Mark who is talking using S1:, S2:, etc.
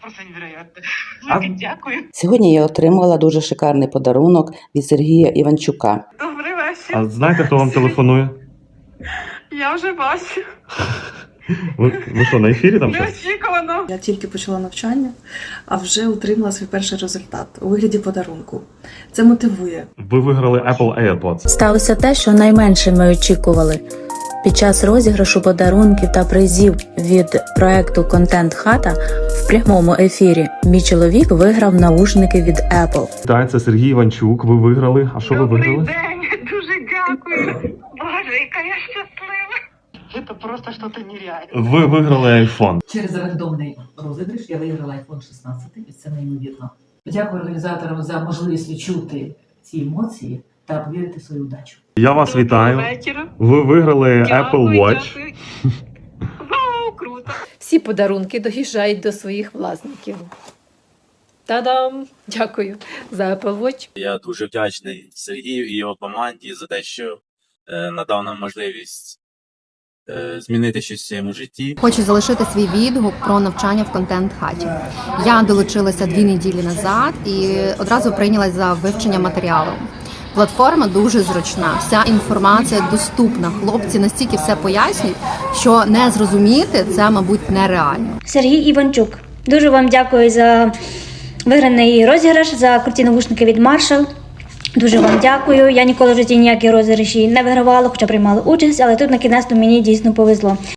S1: просто невероятно.
S2: А-
S1: Дуже дякую.
S3: Сьогодні я отримала дуже шикарний подарунок від Сергія Іванчука.
S1: Добрий вечір.
S2: А знаєте, хто вам телефонує?
S1: Я вже бачу.
S2: Ви що, на ефірі там щось?
S1: Неочікувано.
S4: Я тільки почала навчання, а вже отримала свій перший результат у вигляді подарунку. Це мотивує.
S2: Ви виграли Apple AirPods.
S5: Сталося те, що найменше ми очікували. Під час розіграшу подарунків та призів від проекту «Контент Хата» в прямому ефірі мій чоловік виграв наушники від Apple.
S2: Так, це Сергій Іванчук, ви виграли. А що ви
S1: Добрий
S2: виграли?
S1: день. Дуже дякую. Боже, яка я щаслива. Це просто щось нереальне.
S2: Ви виграли iPhone.
S6: Через рандомний розіграш я виграла iPhone 16, і це неймовірно. Дякую організаторам за можливість відчути ці емоції та повірити в свою удачу.
S2: Я вас вітаю.
S1: Вечора.
S2: Ви виграли Apple
S1: Дякую,
S2: Watch.
S1: дякую. Вау, круто.
S7: Всі подарунки доїжджають до своїх власників. Та-дам! Дякую за Apple Watch.
S8: Я дуже вдячний Сергію і його команді за те, що надав нам можливість змінити щось в своєму житті.
S9: Хочу залишити свій відгук про навчання в контент-хаті. Я долучилася 2 неділі назад і одразу прийнялась за вивчення матеріалу. Платформа дуже зручна, вся інформація доступна. Хлопці настільки все пояснюють, що не зрозуміти це, мабуть, нереально.
S10: Сергій Іванчук. Дуже вам дякую за виграний розіграш, за круті навушники від Marshall. Дуже вам дякую. Я ніколи в житті ніякі розіграші не вигравала, хоча приймала участь, але тут на кінець мені дійсно повезло.